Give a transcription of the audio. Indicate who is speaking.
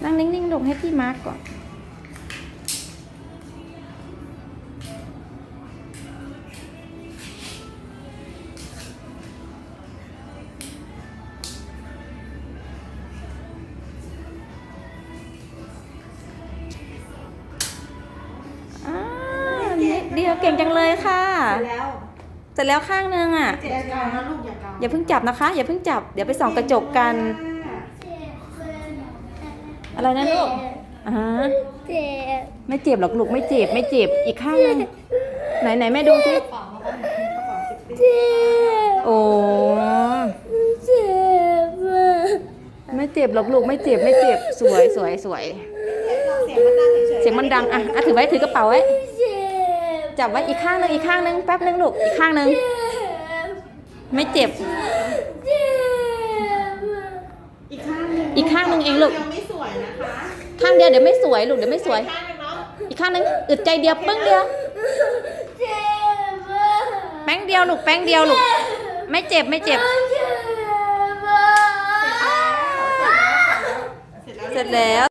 Speaker 1: นั่งนิ่งๆลงให้พี่มาร์กก่อนนิดเดียวเก่งจังเลยค่ะเสร็จแล้วข้างนึงอ่ะอย่าเพิ่งจับนะคะอย่าเพิ่งจับเดี๋ยวไปส่องกระจกกันอะไรนะลูกไม่เจ็บหรอกลูกไม่เจ็บไม่เจ็บอีกข้างนึงไหนแม่ดูสิโอ้ไม่เจ็บหรอกลูกไม่เจ็บไม่เจ็บสวยเสียงมันดังอ่ะถือไว้ถือกระเป๋าไว้จับไว้อีกข้างนึงแป๊บนึงลูกอีกข้างนึงไม่เจ็บอีกข้างนึงเองลูก
Speaker 2: ไม่สวยนะคะ
Speaker 1: ข้างเดียวเดี๋ยวไม่สวยลูกเดี๋ยวไม่สวยอีกข้างนึงอึดใจเดียวปึ้งเดียวแป้งเดียวลูกแป้งเดียวลูกไม่เจ็บเสร็จแล้ว